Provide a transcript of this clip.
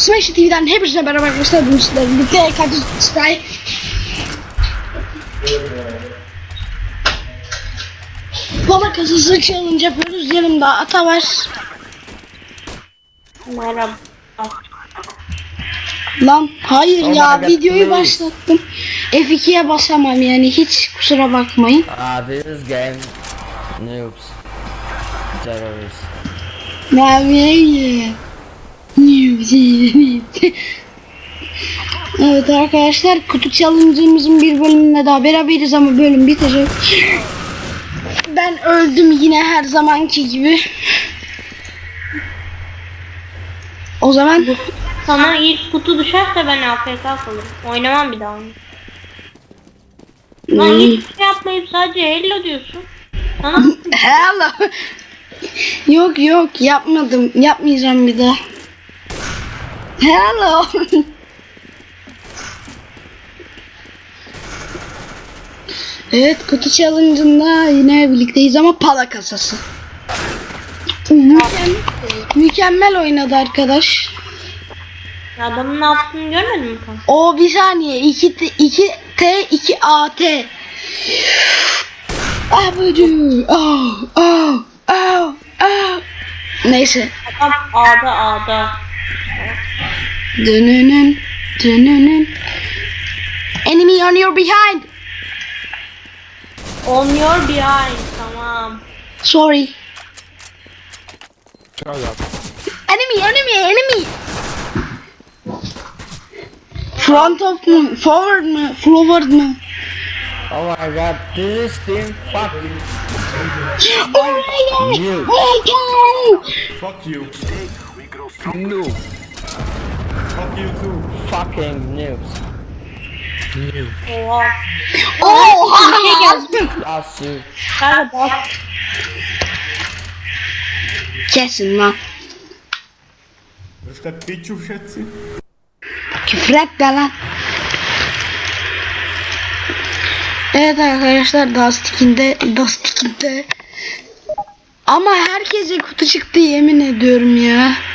Smash TV'den hepinize merhaba arkadaşlar. Bugün sizlerle birlikte Kadir Sky Baba kasası challenge yapıyoruz. Yanımda Ata var. Merhaba. Lan hayır ya, videoyu başlattım. F2'ye basamam yani, hiç kusura bakmayın. This game noobs terrorists. Evet arkadaşlar, kutu challenge'ımızın bir bölümünde daha beraberiz ama bölüm bitecek. Ben öldüm yine her zamanki gibi. O zaman Sana ilk kutu düşerse ben AFK kalırım. Oynamam bir daha onu. Lan hiçbir şey yapmayıp sadece hello diyorsun. Sana hello. Yok yapmadım, yapmayacağım bir daha. Hello. Evet, kutu challenge'ında yine birlikteyiz ama pala kasası. Mükemmel oynadı arkadaş. adamın ne yaptığını görmedin mi kanka? O bir saniye, 2T 2AT. Abucu. Neyse. Adam A'da. Dönünün. Enemy on your behind. On your behind, tamam. Sorry. Shut up. Enemy. Front of mu? Forward mu? Forward mu? Oh my god, this is team fucking Oh my god! Noob. Oh my god! Fuck you. noob. Fuck you too. Fucking noobs. Oha. Oha! Yazdım. That's you. Kanka bak. Kesin lan. Jeszcze piciu wszyscy. Küfür etme lan. Evet arkadaşlar, Dustik'inde ama herkese kutu çıktı, yemin ediyorum ya.